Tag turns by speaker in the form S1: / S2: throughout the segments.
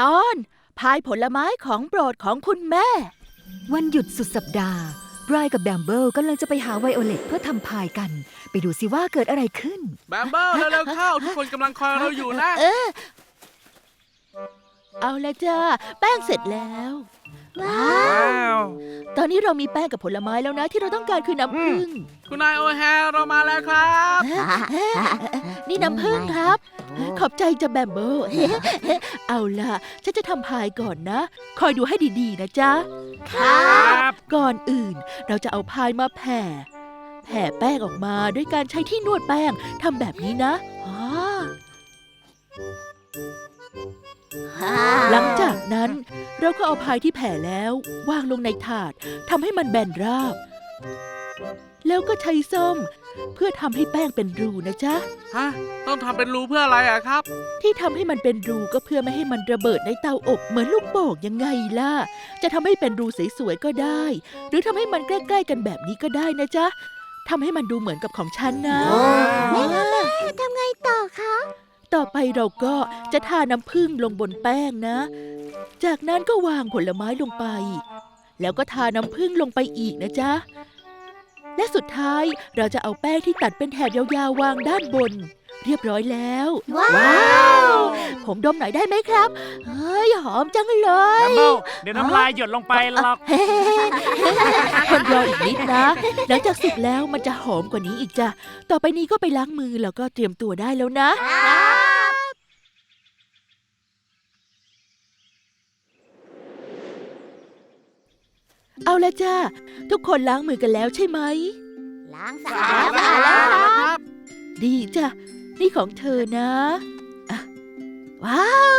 S1: ตอนพายผลไม้ของโปรดของคุณแม่
S2: วันหยุดสุดสัปดาห์ไบรท์กับแบมเบิลกำลังจะไปหาไวโอเลตเพื่อทำพายกันไปดูสิว่าเกิดอะไรขึ้น
S3: แบมเบิลเร็วๆเข้าทุกคนกำลังคอยเราอยู่นะ
S1: เอาละจ้าแป้งเสร็จแล้ว
S3: ว้าว
S1: ตอนนี้เรามีแป้งกับผลไม้แล้วนะที่เราต้องการคือน้ำผึ้ง
S3: คุณนายโอแฮร์เรามาแล้วครับ
S1: นี่น้ำผึ้งครับขอบใจจ้ะแบมเบิลเอาล่ะฉันจะทำพายก่อนนะคอยดูให้ดีๆนะจ๊ะ
S3: ครับ
S1: ก่อนอื่นเราจะเอาพายมาแผ่แป้งออกมาด้วยการใช้ที่นวดแป้งทำแบบนี้นะหลังจากนั้นเราก็เอาพายที่แผ่แล้ววางลงในถาดทำให้มันแบนราบแล้วก็ใช้ส้อมเพื่อทำให้แป้งเป็นรูนะจ๊ะ
S3: ต้องทำเป็นรูเพื่ออะไรอะครับ
S1: ที่ทำให้มันเป็นรูก็เพื่อไม่ให้มันระเบิดในเตาอบเหมือนลูกโป่งยังไงล่ะจะทำให้เป็นรูสวยๆก็ได้หรือทำให้มันใกล้ๆกันแบบนี้ก็ได้นะจ๊ะทำให้มันดูเหมือนกับของฉันนะ
S4: แม่ทำไงต่อคะ
S1: ต่อไปเราก็จะทาน้ำผึ้งลงบนแป้งนะจากนั้นก็วางผลไม้ลงไปแล้วก็ทาน้ำผึ้งลงไปอีกนะจ๊ะและสุดท้ายเราจะเอาแป้งที่ตัดเป็นแถบยาวๆวางด้านบนเรียบร้อยแล้ว
S4: ว้าว
S1: ผมดมหน่อยได้ไหมครับเฮ้ยหอมจังเลย
S3: แบมเบิลเดี๋ยวน้ำลายหยดลงไปหรอก
S1: คนรออีกนิดนะหลังจากสุกแล้วมันจะหอมกว่านี้อีกจ้ะต่อไปนี้ก็ไปล้างมือแล้วก็เตรียมตัวได้แล้วนะเอาละจ้าทุกคนล้างมือกันแล้วใช่ไหม
S4: ล้างสะอาดแล้วครับ
S1: ดีจ้ะนี่ของเธอนะว้าว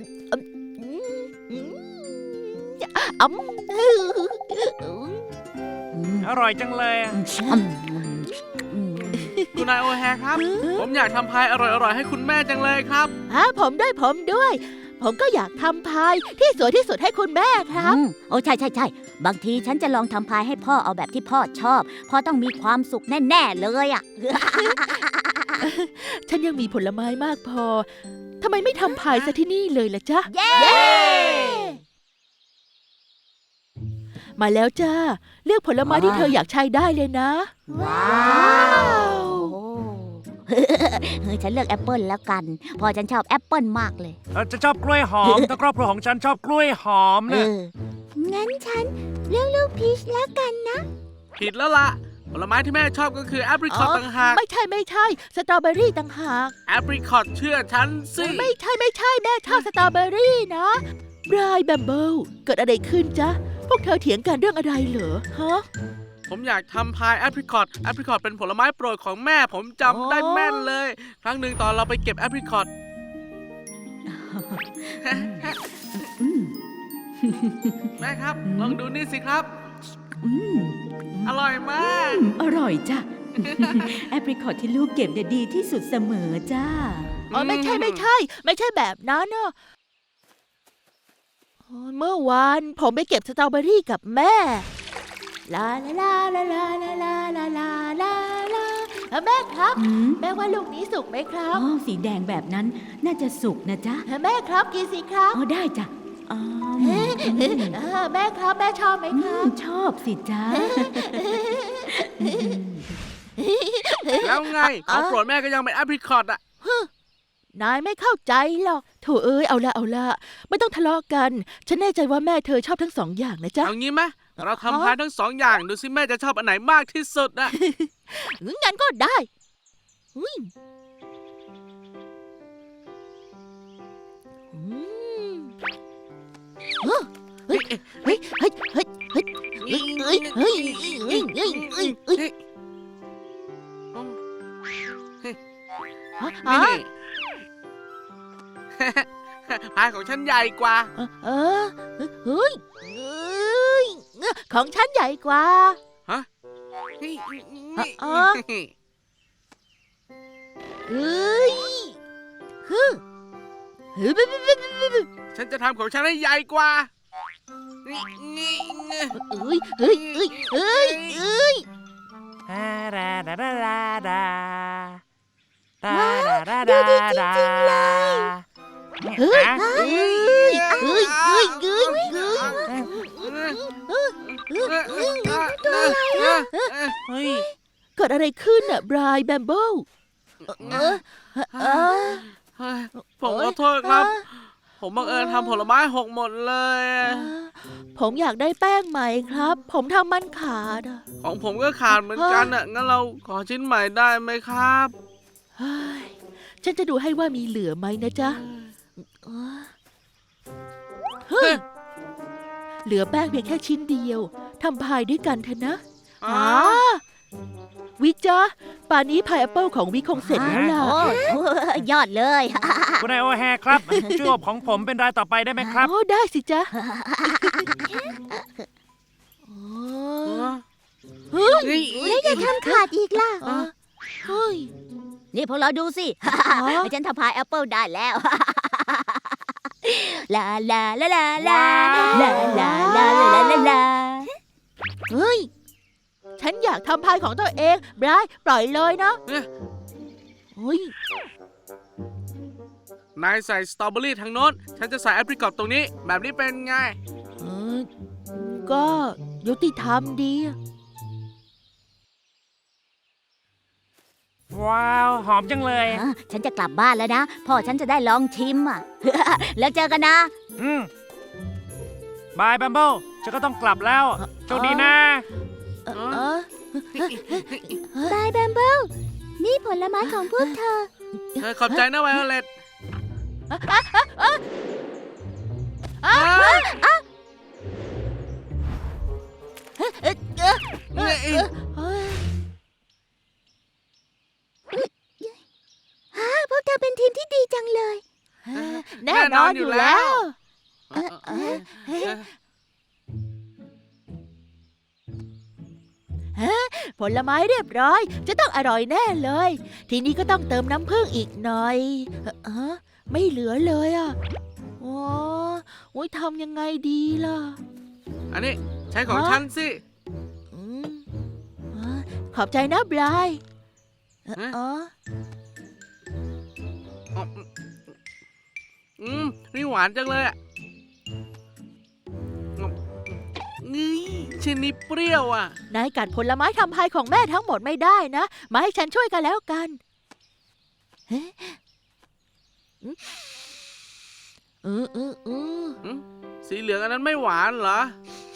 S3: อร่อยจังเลยคุณนายโอแฮร์ครับผมอยากทำพายอร่อยๆให้คุณแม่จังเลยครับ
S1: ผมด้วยผมก็อยากทำพายที่สวยที่สุดให้คุณแม่ครับ
S4: โอ้ใช่บางทีฉันจะลองทำพายให้พ่อเอาแบบที่พ่อชอบพ่อต้องมีความสุขแน่ๆเลยอ่ะ
S1: ฉันยังมีผลไม้มากพอทำไมไม่ทำพายซะที่นี่เลยล่ะจ๊ะ
S4: เย้
S1: มาแล้วจ้าเลือกผลไม้ที่เธออยากใช้ได้เลยนะ
S4: ว้าวฉันเลือกแอปเปิลแล้วกันพอฉันชอบแอปเปิลมากเลย
S3: จะชอบกล้วยหอมถ้าครอบครัวของฉันชอบกล้วยหอมนะ
S4: งั้นฉันเลือกลูกพีชแล้วกันนะ
S3: ผิดแล้วล่ะผลไม้ที่แม่ชอบก็คือแอปริคอตต่างหาก
S1: ไม่ใช่สตรอเบอรี่ต่างหาก
S3: แอปริคอตเชื่อฉันสิ
S1: ไม่ใช่แม่ชอบสตรอเบอรี่นะบรายแบมเบิลเกิดอะไรขึ้นจ๊ะพวกเธอเถียงกันเรื่องอะไรเหรอฮะ
S3: ผมอยากทำพายแอปริคอตเป็นผลไม้โปรดของแม่ผมจำได้แม่นเลยครั้งหนึ่งตอนเราไปเก็บแอปริคอตแม่ครับลองดูนี่สิครับอร่อยมาก
S2: อร่อยจ้ะแอปริคอตที่ลูกเก็บเนี่ยดีที่สุดเสมอจ้า
S1: ไม่ใช่แบบนั้นเนอะเมื่อวานผมไปเก็บสตรอเบอรี่กับแม่ลาลาลาลาลาลาลาลาลาลาแม่ครับแม่ว่าลูกนี้สุกไหมครับ
S2: สีแดงแบบนั้นน่าจะสุกนะจ๊ะ
S1: แม่ครับกินสิครับ
S2: ได้จ้ะ
S1: แม่ครับแม่ชอบไหมครับ
S2: ชอบสิจ้า
S3: แล้วไงของโปรดแม่ก็ยังเป็นแอปริคอตอ่ะ
S1: นายไม่เข้าใจหรอกโถเอ้ยเอาละไม่ต้องทะเลาะกันฉันแน่ใจว่าแม่เธอชอบทั้งสองอย่างนะจ๊ะ
S3: เอางี้ไหมเราทำพายทั้งสองอย่างดูสิแม่จะชอบอันไหนมากที่สุดอะ
S1: งั้นก็ได้เฮ้ย
S3: พายของฉันใหญ่กว่า
S1: เฮ้ยของฉันใหญ่กว่า
S3: ฮะฉันจะทำของฉันให้ใหญ่กว่า
S4: ดูดีจริงๆเลย
S1: เฮ้ย
S3: ตัวอะไรเฮ้ย
S1: เกิดอะไรขึ้นน่ะบรายแบมเบิลเออเออ
S3: เฮ้ยผมขอโทษครับ ผมบังเอิญทำผลไม้หกหมดเลย
S1: ผมอยากได้แป้งใหม่ครับ ผมทำมันขาดอะ
S3: ของผมก็ขาดเหมือนกันอ่ะ งั้นเราขอชิ้นใหม่ได้ไหมครับ
S1: เฮ้ยฉันจะดูให้ว่ามีเหลือไหมนะจ๊ะเฮ้ยเหลือแป้งเพียงแค่ชิ้นเดียวทำพายด้วยกันเถอะนะวิกจ๊ะป่านนี้พายแอปเปิลของวิกคงเสร็จแล้วล่ะ
S4: โอ้ยอดเลย
S5: คุณนายโอแฮครับ ช่วยอบของผมเป็นรายต่อไปได้ไหมครับ
S1: โอ้ได้สิจ๊ะเฮ้ย
S4: แล้วจะทำขาดอีกล่ะ
S1: เฮ้ย
S4: นี่พวกเราดูสิ ฉันทำพายแอปเปิลได้แล้ว ลาลาลาลาลาลาลาลาลาลาลา
S1: เฮ้ยฉันอยากทำพายของตัวเองบรายปล่อยเลยนะเฮ้ย
S3: นายใส่สตรอเบอรี่ทางโน้น ฉันจะใส่แอปริคอตตรงนี้ แบบนี้เป็นไง
S1: เออก็ยุติธรรมดี
S5: ว้าว หอมจังเลย
S4: ฉันจะกลับบ้านแล้วนะ พ่อฉันจะได้ลองชิมอ่ะ แล้วเจอกันนะ
S5: บายแบมเบิลฉันก็ต้องกลับแล้ว โชคดีนะ
S4: บายแบมเบิลนี่ผลไม้ของพวกเธอ
S3: ขอบใจนะไวโอเลต
S1: เฮ้ย
S4: พวกเธอเป็นทีมที่ดีจังเลย
S1: แน่นอนอยู่แล้ว ผลไม้เรียบร้อย จะต้องอร่อยแน่เลย ทีนี้ก็ต้องเติมน้ำผึ้งอีกหน่อยไม่เหลือเลยอ่ะโอ้ยทำยังไงดีล่ะ
S3: อันนี้ใช้ของฉันสิ
S1: อืมขอบใจนะบราย
S3: นี่หวานจังเลยอ่ะนี่ชิ้นนี้เปรี้ยวอ่ะ
S1: นายกัดผลไม้ทำพายของแม่ทั้งหมดไม่ได้นะ มาให้ฉันช่วยกันแล้วกัน
S3: สีเหลืองอันนั้นไม่หวานเหรอ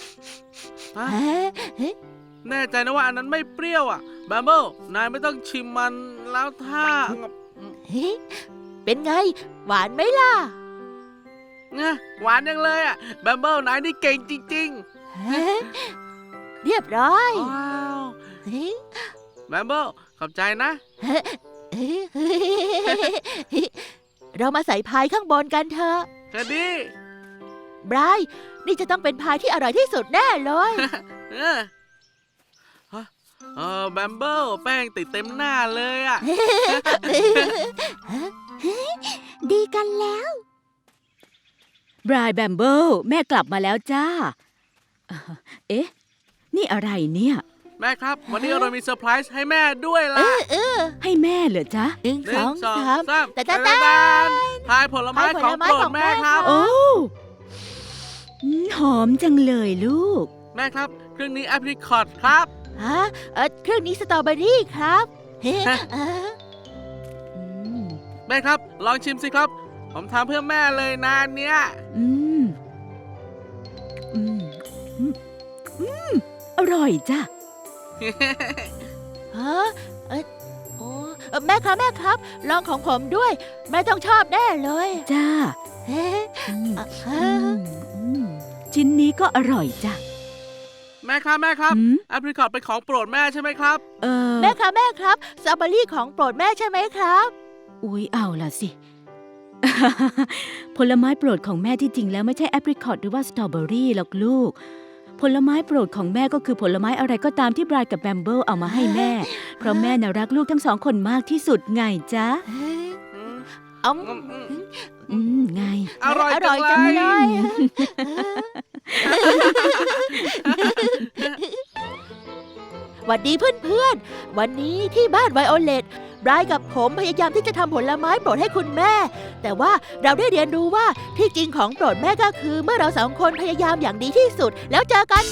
S3: แน่ใจนะว่าอันนั้นไม่เปรี้ยวอ่ะแบมเบิลนายไม่ต้องชิมมันแล้วถ้า
S1: เป็นไง หวานไหมล่ะ
S3: หวานยังเลยอ่ะแบมเบิลนายนี่เก่งจริง
S1: เรียบร้อย
S3: ๆว้าวแบมเบิลขอบใจนะ
S1: เรามาใส่พายข้างบนกันเถอะ
S3: แค่ดี
S1: บรายนี่จะต้องเป็นพายที่อร่อยที่สุดแน่เลย
S3: แบมเบิลแป้งติดเต็มหน้าเลยอ่ะ
S4: ดีกันแล้ว
S6: บรายแบมเบิลแม่กลับมาแล้วจ้า เอ๊ะ นี่อะไรเนี่ย
S3: แม่ครับ วันนี้เรามีเซอร์ไพรส์ให้แม่ด้วยล่ะ
S6: ให้แม่เหรอจ๊ะ
S1: หนึ่ง
S3: ห
S1: ส
S3: นึ่
S1: อง ง
S3: สอง
S1: สาม
S3: สาม
S1: แต่แต่
S3: พายผลไม้ของโปรดแม่ครับ
S6: โอ้หอมจังเลยลูก
S3: แม่ครับ เครื่องนี้แอปริคอตครับ
S1: ฮะเครื่องนี้สตรอเบอรี่ครับ
S3: แม่ครับ ลองชิมสิครับ ผมทำเพื่อแม่เลยนะเนี่ย
S6: อืม อืม อืม อร่อยจ้ะ
S1: ฮะแม่ครับแม่ครับ ลองของผมด้วย แม่ต้องชอบแน่เลย
S6: จ้า ชิ้นนี้ก็อร่อยจ้ะ
S3: แม่ครับแอปริคอตเป็นของโปรดแม่ใช่ไหมครับ
S1: แม่ครับแม่ครับสตรอเบอรี่ของโปรดแม่ใช่ไหมครับ
S6: อุ๊ยเอาล่ะสิ ผลไม้โปรดของแม่ที่จริงแล้วไม่ใช่แอปริคอตหรือว่าสตรอเบอรี่หรอกลูก ผลไม้โปรดของแม่ก็คือผลไม้อะไรก็ตามที่บรายกับแบมเบิลเอามาให้แม่ เพราะแม่น่ารักลูกทั้งสองคนมากที่สุดไงจ๊ะ ไง
S3: อร่อย
S1: อร่อยจั
S3: จั
S1: ง
S3: ง
S1: เล
S3: เลย ย
S1: หวัดดีเพื่อนๆ วันนี้ที่บ้านไวโอเลตบรายกับผมพยายามที่จะทำผลไม้โปรดให้คุณแม่ แต่ว่าเราได้เรียนรู้ว่าที่จริงของโปรดแม่ก็คือเมื่อเราสองคนพยายามอย่างดีที่สุดแล้วเจอกัน